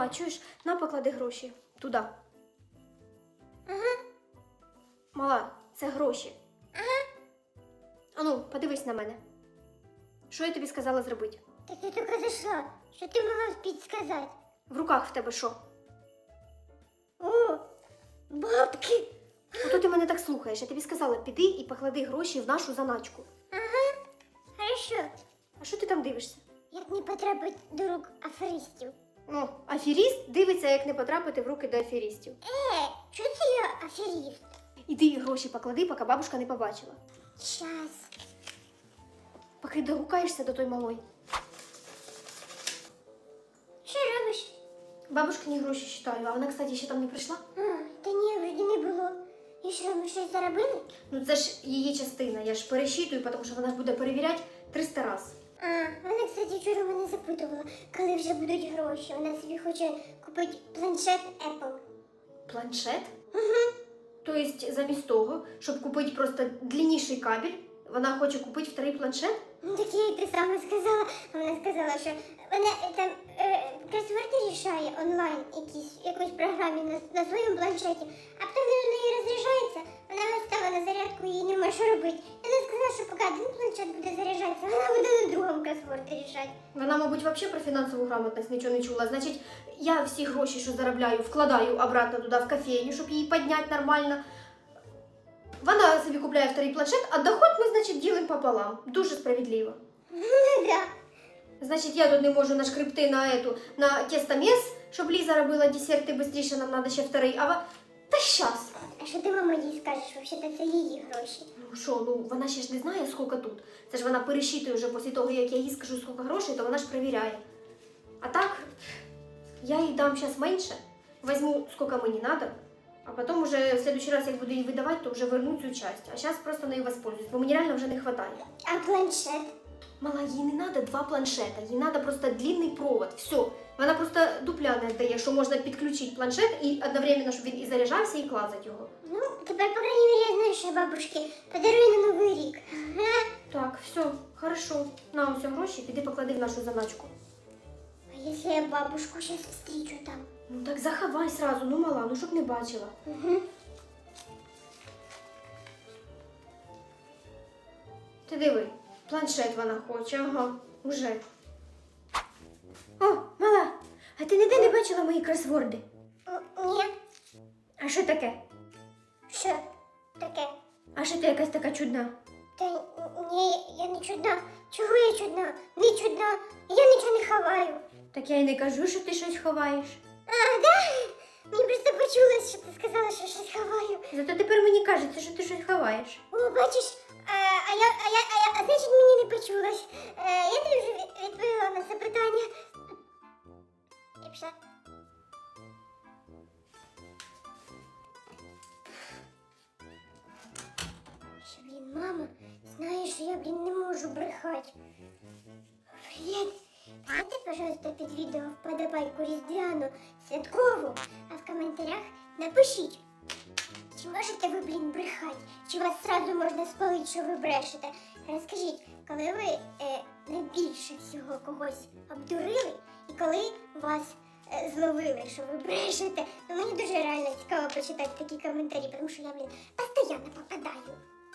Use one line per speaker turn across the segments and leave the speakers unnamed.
Мала, чуєш, на поклади гроші. Туди.
Ага.
Мала, це гроші.
Ага.
Ану, подивись на мене. Що я тобі сказала зробити?
Так я тільки зайшла. Що ти могла вспіть сказати?
В руках в тебе що?
О, бабки.
Ото ти мене так слухаєш. Я тобі сказала, піди і поклади гроші в нашу заначку.
Ага. Хорошо.
А що ти там дивишся?
Як не потрапить до рук аферистів.
Ну, аферіст дивиться, як не потрапити в руки до аферістів.
Чого це я аферіст?
Іди гроші поклади, поки бабушка не побачила.
Щас.
Поки догукаєшся до той малої.
Що робиш?
Бабушкині гроші считаю, а вона, кстати, ще там не прийшла.
Та ні, вроді не було. І що, ми щось заробили?
Ну це ж її частина, я ж пересчитую, тому що вона ж буде перевіряти 300 раз.
Вона, кстати, вчора мене запитувала, коли вже будуть гроші. Вона собі хоче купити планшет Apple.
Планшет? Угу. Тобто замість того, щоб купити просто длинніший кабель, вона хоче купити вторий планшет?
Ну, так я їй те саме сказала. Вона сказала, що вона там кросворди рішає онлайн якоїсь програмі на своєму планшеті, а потім він у неї розряджається, вона його ставила на зарядку і їй нема що робити. І вона сказала, що поки один планшет буде заряджатися, вона буде на другому кросворди рішати.
Вона, мабуть, взагалі про фінансову грамотність нічого не чула. Значить, я всі гроші, що заробляю, вкладаю обратно туди в кофейню, щоб її підняти нормально. Вона собі купляє вторий планшет, а доход ми, значить, ділимо пополам. Дуже справедливо.
Ну, да.
Значить, я тут не можу нашкребти на тестомес, щоб Ліза робила десерти швидше, нам треба ще вторий. Та щас.
А що ти мама їй скажеш? Взагалі, це її гроші.
Ну що, ну вона ще ж не знає, скільки тут. Це ж вона пересчитує вже після того, як я їй скажу, скільки грошей, то вона ж перевіряє. А так, я їй дам зараз менше, візьму, скільки мені треба, а потім уже в следующий раз, як буду її видавати, то вже верну цю часть. А зараз просто нею воспользуюсь, бо мені реально вже не вистачає.
А планшет?
Мала, їй не треба два планшета, їй треба просто длинний провод, все. Вона просто дупля не дає, що можна підключити планшет і одновременно, щоб він і заряджався, і клацати його.
Ну, тепер, по крайней мере, я знаю, що я бабушки подарую на Новий рік.
Так, все, хорошо. На ось гроші, піди поклади в нашу заначку.
А якщо я бабушку зараз встрічу там?
Ну так заховай сразу, ну мала, ну щоб не бачила.
Угу.
Ти диви, планшет вона хоче, ага, уже. О, мала, а ти ніде не бачила мої кросворди?
Ні.
А що таке?
Що таке?
А що ти якась така чудна?
Та ні, я не чудна. Чого я чудна? Не чудна. Я нічого не ховаю.
Так я й не кажу, що ти щось ховаєш.
А, да? Мені просто почулось, що ти сказала, що щось ховаю.
Зато тепер мені кажеться, що ти щось ховаєш.
О, бачиш, а значить мені не почулось. Я тобі вже відповіла на це питання. Я пішла. Що, мама, знаєш, я, не можу брехати. Привіт. Ставте, пожалуйста, під відео вподобайку різдвяну, святкову, а в коментарях напишіть, чи можете ви, брехати, чи вас сразу можна спалити, що ви брешете. Розкажіть, коли ви найбільше всього когось обдурили, і коли вас зловили, що ви брешете. Ну, мені дуже реально цікаво почитати такі коментарі, тому що я, постійно попадаю.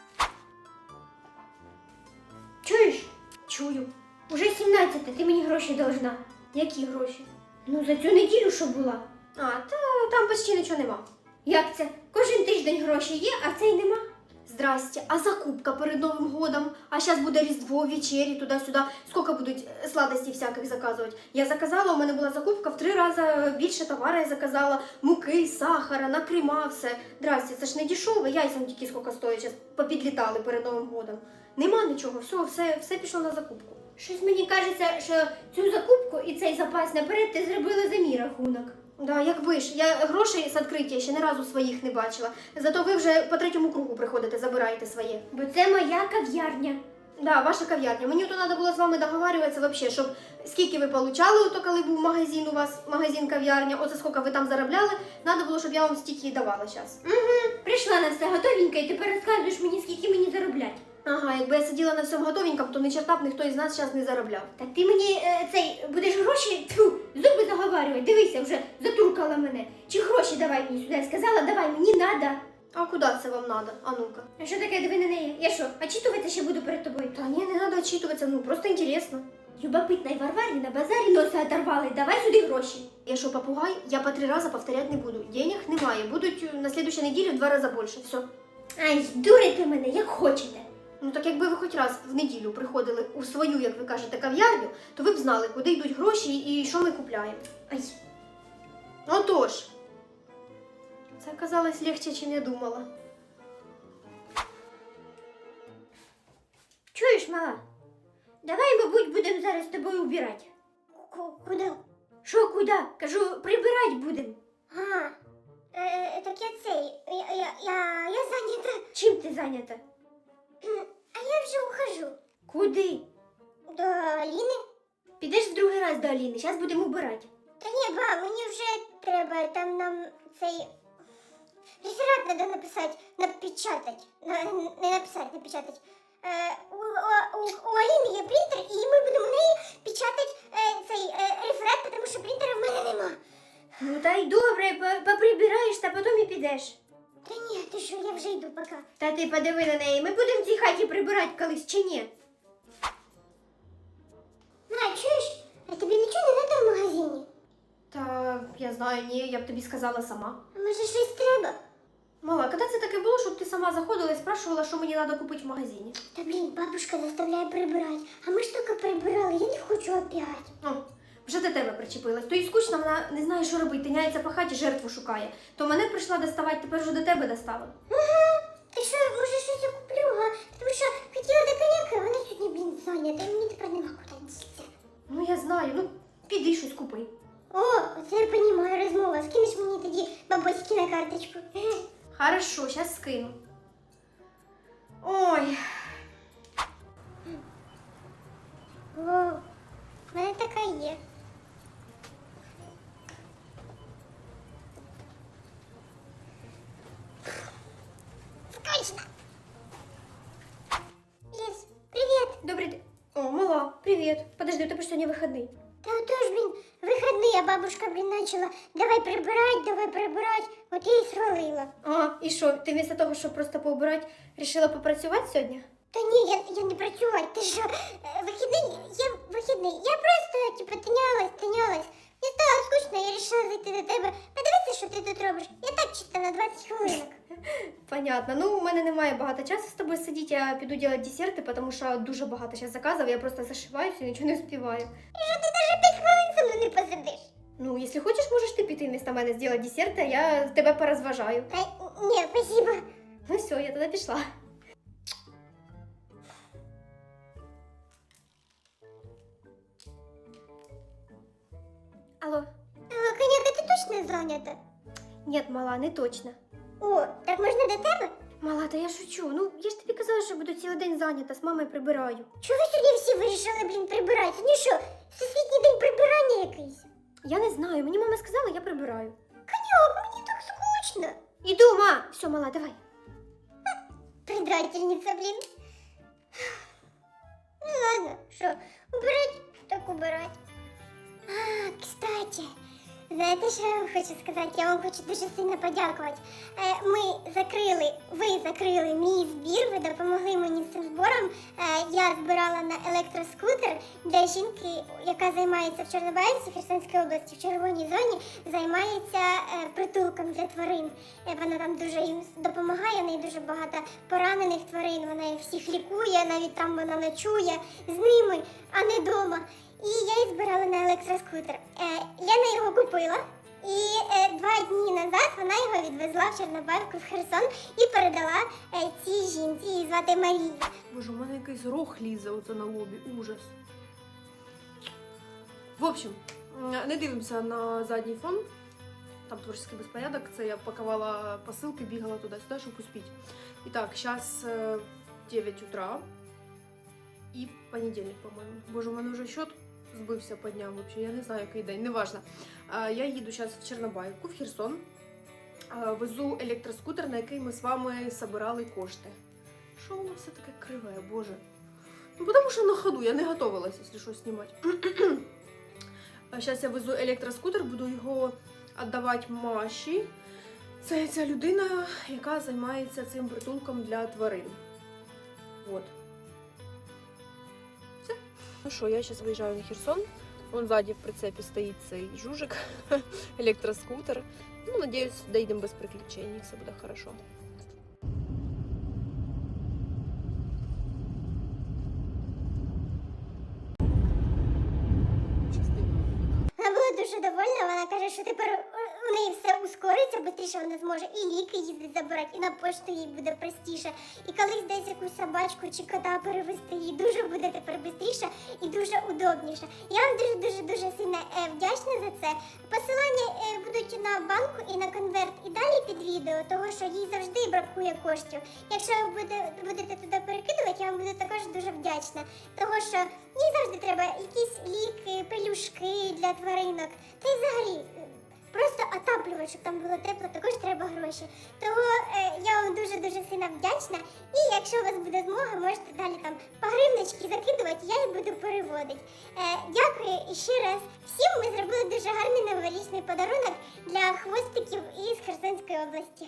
Чуєш? Чую. Уже 17, ти мені гроші должна. Які гроші? Ну, за цю неділю, що була. А, там почти нічого нема. Як це? Кожен тиждень гроші є, а цей нема? Здрасте, а закупка перед Новим годом? А зараз буде Різдво, вечері, туди-сюди. Скільки будуть сладостей всяких заказувати? Я заказала, у мене була закупка в 3 рази більше товару я заказала. Муки, сахара, накрима, все. Здрасте, це ж не дешеве, яйця тільки скільки стоять, зараз попідлітали перед Новим годом. Нема нічого, все пішло на закупку. Щось мені кажеться, що цю закупку і цей запас наперед ти зробила за мій рахунок. Да, якби ж. Я грошей з відкриття ще ні разу своїх не бачила. Зато ви вже по 3-му кругу приходите, забираєте своє. Бо це моя кав'ярня. Да, ваша кав'ярня. Мені то треба було з вами договарюватися вообще, щоб скільки ви получали, то коли був магазин у вас, магазин-кав'ярня, оце скільки ви там заробляли, треба було, щоб я вам стільки і давала зараз. Угу, прийшла на все готовенько і тепер розказуєш мені, скільки мені заробляти.
Ага, якби я сиділа на всьому готовенькому, то ні черта б ніхто із нас зараз не заробляв.
Так ти мені будеш гроші, зуби заговарювати, дивися, вже затуркала мене. Чи гроші давай мені сюди, сказала, давай, мені надо.
А куди це вам надо? А ну-ка.
А що таке, диви на неї? Я що, очитуватися ще буду перед тобою?
Та ні, не треба очитуватися, ну просто інтересно.
Любопитной Варварі на базарі носа оторвали, давай сюди гроші.
Я що, попугай? Я по 3 рази повторять не буду. Денег немає, будуть на следующей неділі в 2 рази більше, все.
Ай, дурите мене, як хочете.
Ну так якби ви хоч раз в неділю приходили у свою, як ви кажете, кав'ярню, то ви б знали, куди йдуть гроші і що ми купляємо.
Ай,
Отож. Це оказалось легче, ніж я думала.
чуєш, мала? Давай, мабуть, будемо зараз з тобою убирати.
Куди?
Що, куди? Кажу, прибирати будемо.
А, так я цей, я зайнята.
Чим ти зайнята?
А я вже ухожу.
Куди?
До Аліни?
Підеш в другий раз до Аліни, зараз будемо убирати.
Та ні, ба, мені вже треба, там нам цей реферат треба написати, напечатати. Не написати, напечатати. У Аліни є принтер, і ми будемо в неї печатати цей реферат, тому що принтера в мене нема.
Ну та й добре, поприбираєш, та потім і підеш.
Та ні, ти що, я вже йду, пока.
Та ти подиви на неї, ми будемо в цій хаті прибирати колись чи ні?
На, чуєш? А тобі нічого не треба в магазині?
Та я знаю, ні, я б тобі сказала сама.
А може щось треба?
Мала, коли це таке було, щоб ти сама заходила і спрашувала, що мені треба купити в магазині?
Та блін, бабушка заставляє прибирати. А ми ж тільки прибирали, я не хочу опять.
О, вже до тебе причепилась. То і скучно, вона не знає, що робити, тиняється по хаті, жертву шукає. То мене прийшла доставати, тепер вже до тебе достала.
Ти що, може щось я куплю, га? Тому що хотіла до коняки, а вона сьогодні, блін, зайнята, і мені тепер нема куди дітися.
Ну я знаю, ну піди щось купи.
О, оце я розумію, розмова. Скинеш мені тоді бабуськи на карточку.
Хорошо, зараз скину. Ой,
О, в мене така є. Скучно. Ліс, привіт.
Добрий день. О, мала, привіт. Подожди, у тебе ж сьогодні вихідний.
Та отож, блін, вихідний, а бабушка, блін, начала давай прибирать, от я і свалила.
А, і що, ти вместо того, щоб просто поубирати, рішила попрацювати сьогодні?
Та ні, я не працювати, ти що, вихідний, я просто, типу, тинялась. Мені стало скучно, я вирішила зайти до тебе, подивитися, що ти тут робиш. Я так чисто на 20 хвилинок.
Понятно. Ну, у мене немає багато часу з тобою сидіти, я піду робити десерти, тому що дуже багато зараз заказів, я просто зашиваюся і нічого не успіваю.
І що ти навіть 5 хвилин зі мною не посидиш?
Ну, якщо хочеш, можеш ти піти вместо мене зробити десерти, а я тебе порозважаю.
Та ні, спасибо.
Ну все, я тоді пішла. Алло.
Коняка, ти точно зайнята?
Ні, мала, не точно.
О, так можна до тебе?
Мала, та я шучу. Ну, я ж тобі казала, що буду цілий день зайнята, з мамою прибираю.
Чого ви сьогодні всі вирішили, блін, прибирати? Ну що, всесвітній день прибирання якийсь?
Я не знаю, мені мама сказала, я прибираю.
Коняк, мені так скучно.
Іду, ма! Все, мала, давай.
Предательница, блин. Ну ладно, что, убирать, так убирать. А, кстати, знаєте, що я вам хочу сказати? Я вам хочу дуже сильно подякувати. Ви закрили мій збір, ви допомогли мені з цим збором. Я збирала на електроскутер для жінки, яка займається в Чорнобаївці, Херсонській області, в червоній зоні, займається притулком для тварин. Вона там дуже їм допомагає, в неї дуже багато поранених тварин, вона їх всіх лікує, навіть там вона ночує з ними, а не вдома. І я її збирала на електроскутер. Лена його купила, і 2 дні назад вона його відвезла в Чорнобаївку, в Херсон і передала цій жінці, її звати Марія.
Боже, у мене якийсь рог лізе оце на лобі, ужас. В общем, не дивимося на задній фон. Там творчий безпорядок, це я пакувала посилки, бігала туди-сюди, щоб успіти. І так, зараз 9 утра і понедільник, по-моєму. Боже, у мене вже счет збився по дням, вообще, я не знаю, який день, неважно. Я їду зараз в Чорнобаївку, в Херсон, везу електроскутер, на який ми з вами збирали кошти, Що воно все таке криве, боже. Ну, потому що на ходу, я не готовилась, якщо що, знімати. Зараз я везу електроскутер, буду його віддавати Маші. Це ця людина, яка займається цим притулком для тварин. Вот. Все. Ну що, я зараз виїжджаю на Херсон. Вон ззаді в прицепі стоїть цей жужик, електроскутер. Ну, надіюсь, доїдемо без приключень, все буде хорошо.
Вона була дуже довольна, вона каже, що тепер у неї все ускориться, швидше вона зможе і ліки їздить забирати, і на пошту їй буде простіше. І колись десь якусь собачку чи кота перевезти, їй дуже буде тепер швидше і дуже удобніше. Я вам дуже сильно вдячна за це. Посилання будуть на банку і на конверт і далі під відео, того що їй завжди бракує коштів. Якщо ви будете туди перекидувати, я вам буду також дуже вдячна. Того що їй завжди треба якісь ліки, пелюшки для тваринок. Та й взагалі просто отаплювати, щоб там було тепло, також треба гроші. Того я вам дуже сильно вдячна. І якщо у вас буде змога, можете далі там по гривнички закидувати, я їх буду переводити. Дякую і ще раз всім. Ми зробили дуже гарний новорічний подарунок для хвостиків із Херсонської області.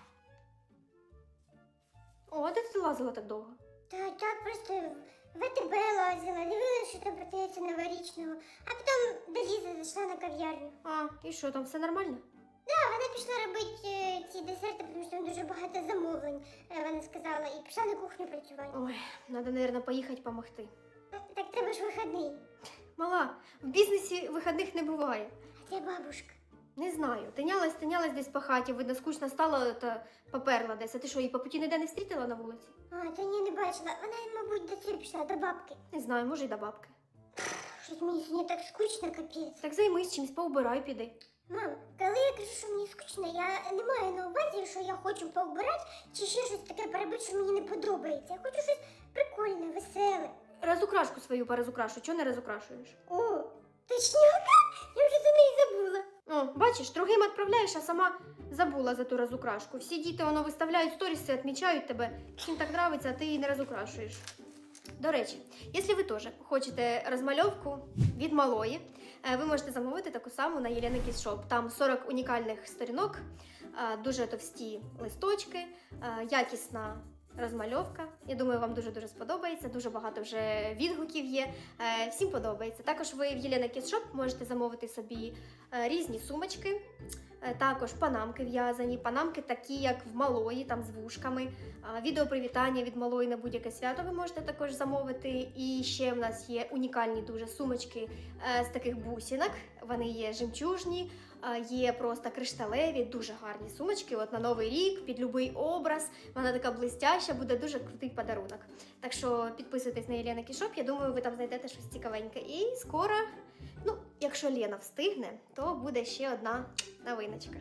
О, де ти лазила так довго?
Та так просто в АТБ лазила, дивилася, що там продається новорічного, а потім до Лізи зайшла на кав'ярню.
А, і що, там все нормально?
Так, вона пішла робити ці десерти, тому що там дуже багато замовлень, вона сказала, і пішла на кухню працювати.
Ой, треба, мабуть, поїхати помогти.
Так треба ж вихідний.
Мала, в бізнесі вихідних не буває.
А це бабушка.
Не знаю, тинялась десь по хаті, видно, скучно стало та поперла десь. А ти що, її по путі ніде не встрітила на вулиці?
А, та ні, не бачила. Вона, мабуть, до цього пішла, до бабки.
Не знаю, може й до бабки.
Щось мені сьогодні так скучно, капець.
Так займись чимось, поубирай, піди.
Мам, коли я кажу, що мені скучно, я не маю на увазі, що я хочу поубирати чи ще щось таке перебити, що мені не подобається. Я хочу щось прикольне, веселе.
Разукрашку свою порозукрашу, чого не розукрашуєш?
О, точняка? Я вже за неї забула.
О, бачиш, другим відправляєш, а сама забула за ту розукрашку. Всі діти воно виставляють сторіси, відмічають тебе. Всім так подобається, а ти її не розукрашуєш. До речі, якщо ви теж хочете розмальовку від малої, ви можете замовити таку саму на Єлена Кіс Шоп. Там 40 унікальних сторінок, дуже товсті листочки, якісна розмальовка. Я думаю, вам дуже сподобається. Дуже багато вже відгуків є. Всім подобається. Також ви в Єлена Кіс Шоп можете замовити собі різні сумочки. Також панамки в'язані, панамки такі, як в малої, там з вушками. Відеопривітання від малої на будь-яке свято ви можете також замовити. І ще в нас є унікальні дуже сумочки з таких бусинок. Вони є жемчужні, є просто кришталеві, дуже гарні сумочки. От на Новий рік, під будь-який образ. Вона така блистяща, буде дуже крутий подарунок. Так що підписуйтесь на Єлена Кіс Шоп, я думаю, ви там знайдете щось цікавеньке. І скоро, ну, якщо Лена встигне, то буде ще одна новиночка.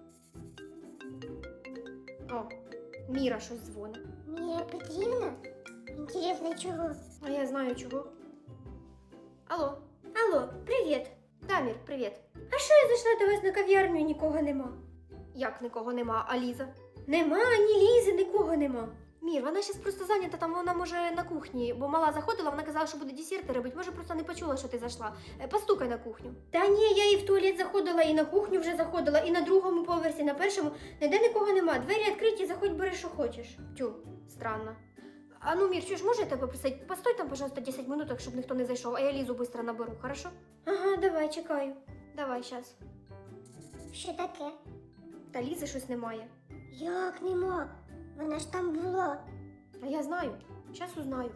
О, Міра щось дзвонить.
Мія Петрівна? Інтересно, чого?
А я знаю чого. Алло. Алло, привіт. Да, Мір, привіт. А що я зайшла до вас на кав'ярню і нікого нема? Як нікого нема, а Ліза? Нема, ні Лізи, нікого нема. Мір, вона зараз просто зайнята, там вона може на кухні, бо мала заходила, вона казала, що буде десерти робити, може просто не почула, що ти зайшла. Постукай на кухню. Та ні, я і в туалет заходила, і на кухню вже заходила, і на другому поверсі, на першому, ніде нікого нема. Двері відкриті, заходь, бери, що хочеш. Тю, странно. А ну, Мір, чуєш, може я тебе просить? Постой там, пожалуйста, 10 минуток, щоб ніхто не зайшов, а я Лізу швидко наберу, хорошо? Ага, давай, чекаю. Давай, щас.
Що таке?
Та Лізи щось немає.
Як нема? Вона ж там була.
А я знаю, щас узнаю.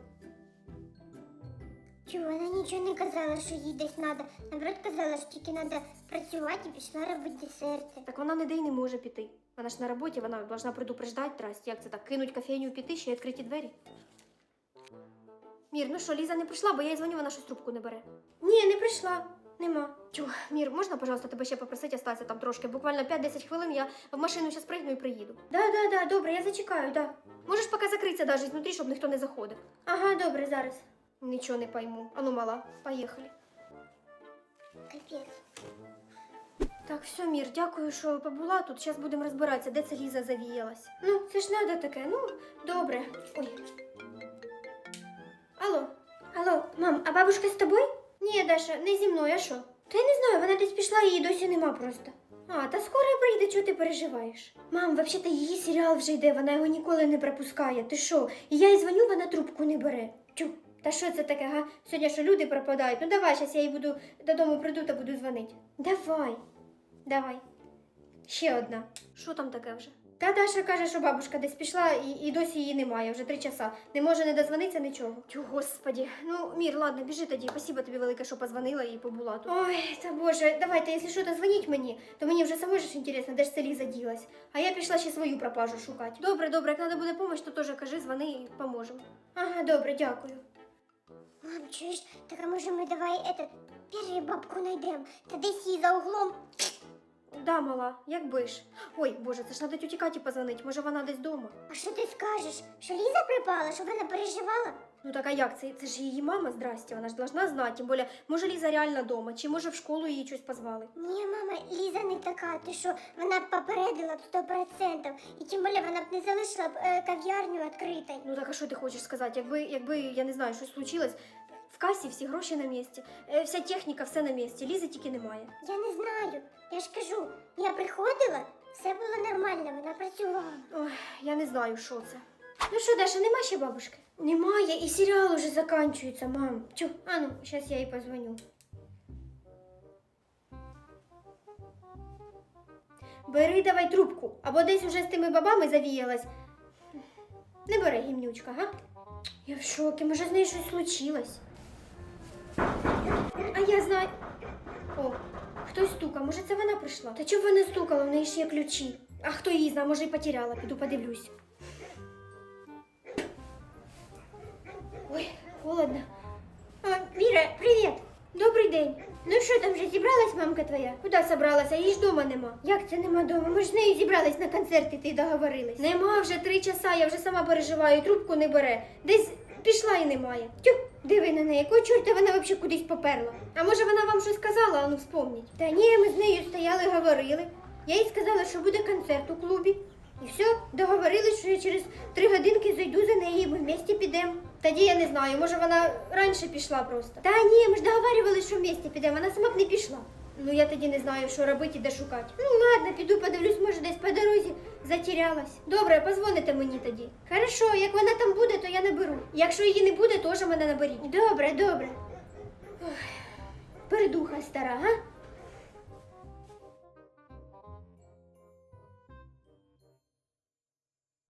Чого, вона нічого не казала, що їй десь треба. Наоборот, казала, що тільки треба працювати і пішла робити десерти.
Так вона ніде й не може піти. Вона ж на роботі, вона должна предупреждати, Трасті, як це так, кинуть кофейню піти, ще й відкриті двері. Мір, ну що, Ліза не прийшла, бо я їй дзвоню, вона щось трубку не бере. Ні, не прийшла. Нема. Тю, Мір, можна, пожалуйста, тебе ще попросити остатися там трошки? Буквально 5-10 хвилин, я в машину зараз пригну і приїду. Да, добре, я зачекаю, да. Можеш поки закритися навіть знутрі, щоб ніхто не заходив. Ага, добре, зараз. Нічого не пойму. Ану, мала, поїхали.
Капець.
Так, все, Мір, дякую, що побула тут. Зараз будемо розбиратися, де це Ліза завіялась. Ну, це ж надо таке, ну, добре. Ой. Алло, алло, мам, а бабушка з тобою? Ні, Даша, не зі мною, а що? Та я не знаю, вона десь пішла, її досі нема просто. А, та скоро прийде, чого ти переживаєш? Мам, взагалі-то її серіал вже йде, вона його ніколи не пропускає. Ти що? І я їй дзвоню, вона трубку не бере. Тю, та що це таке, га? Сьогодні що люди пропадають? Ну давай, зараз я їй буду додому прийду та буду дзвонити. Давай. Давай. Ще одна. Що там таке вже? Та Даша каже, що бабушка десь пішла і досі її немає, вже 3 часа. Не може не дозвонитися нічого. Тю, господі. Ну, Мір, ладно, біжи тоді. Спасибо тобі велике, що позвонила і побула тут. Ой, та боже, давайте, якщо що, то дзвоніть мені, то мені вже самой ж інтересно, де ж це Ліза ділась. А я пішла ще свою пропажу шукати. Добре, добре, як треба буде допомога, то теж кажи, дзвони і поможемо. Ага, добре, дякую.
Мам, чуєш, так а може ми давай першу бабку знайдемо, та десь її за углом.
Да, мала, якби ж. Ой, боже, це ж треба тьоті Каті позвонити, може вона десь вдома.
А що ти скажеш? Що Ліза припала, що вона переживала?
Ну так а як? Це ж її мама, здрасте, вона ж должна знати. Тим більше, може Ліза реально вдома, чи може в школу її щось позвали.
Ні, мама, Ліза не така, ти що, вона б попередила б 100%. І тим більше вона б не залишила б кав'ярню відкритою.
Ну так а що ти хочеш сказати? Якби, я не знаю, щось случилось, в касі всі гроші на місці, вся техніка, все на місці, Лізи тільки немає.
Я не знаю, я ж кажу, я приходила, все було нормально, вона працювала.
Ой, я не знаю, що це. Ну що, Даша, нема ще бабушки? Немає, і серіал уже закінчується, мам. Чу, а ну, зараз я їй позвоню. Бери давай трубку, або десь уже з тими бабами завіялась. Не бери, гімнючка, га? Я в шокі, може з нею щось случилось. А я знаю. О, хтось стукав, може це вона прийшла? Та чого вона стукала, в неї ж є ключі. А хто її знає, може і потеряла, піду подивлюсь. Ой, холодно. А, Міра, привіт! Добрий день. Ну що, там вже зібралась мамка твоя? Куди собралася? Її ж дома нема. Як це нема дома? Ми ж з нею зібрались на концерт іти, договорились. Нема вже 3 часа, я вже сама переживаю, трубку не бере. Десь пішла і немає. Тю, диви на неї, якого чорта вона взагалі кудись поперла? А може вона вам щось сказала, а ну вспомніть. Та ні, ми з нею стояли, говорили. Я їй сказала, що буде концерт у клубі. І все, договорились, що я через 3 годинки зайду за нею, і ми вместе підемо. Тоді я не знаю, може вона раніше пішла просто. Та ні, ми ж договарювалися, що вместе підемо, вона сама б не пішла. Ну я тоді не знаю, що робити і де шукати. Ну ладно, піду подивлюсь, може десь по дорозі затерялась. Добре, позвоните мені тоді. Хорошо, як вона там буде, то я наберу. Якщо її не буде, теж мене наберіть. Добре, добре. Ой, передуха стара, га?